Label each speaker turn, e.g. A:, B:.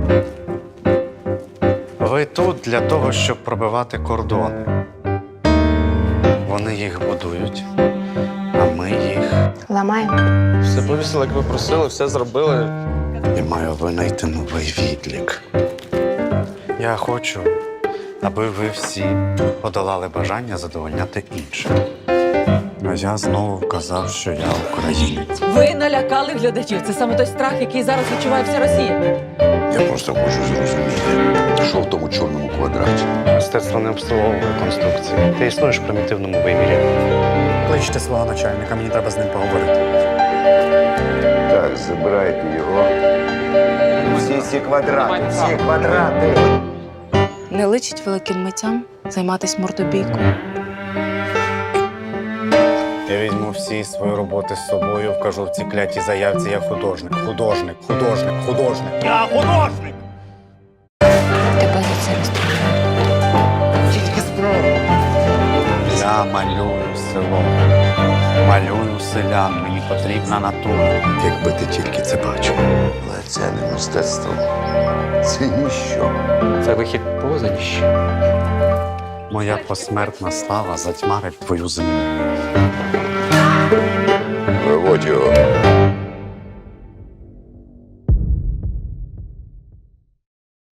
A: Ви тут для того, щоб пробивати кордони. Вони їх будують, а ми їх.
B: Ламаємо.
C: Все повісили, як ви просили, все зробили.
A: І маю винайти новий відлік. Я хочу, аби ви всі подолали бажання задовольняти інших. А я знову вказав, що я українець.
D: Ви налякали глядачів. Це саме той страх, який зараз відчуває вся Росія.
E: Я просто хочу зрозуміти, що в тому чорному квадраті.
A: Мистецтво не обслуговує конструкції. Ти існуєш в примітивному вимірі. Кличте свого начальника, мені треба з ним поговорити.
E: Так, забирайте його. Всі ці квадрати.
B: Не личить великим митцям займатися мордобійкою.
A: Я візьму всі свої роботи з собою, вкажу в цій клятій заявці, я художник. Художник. Я художник!
B: Тебе за це розстріляють.
A: Тільки спробуй. Я малюю село. Малюю селян. Мені потрібна натура.
E: Якби ти тільки це бачив. Але це не мистецтво. Це ніщо.
C: Це вихід поза ніщо.
A: Моя посмертна слава затьмарить твою землю.
E: Виводь його.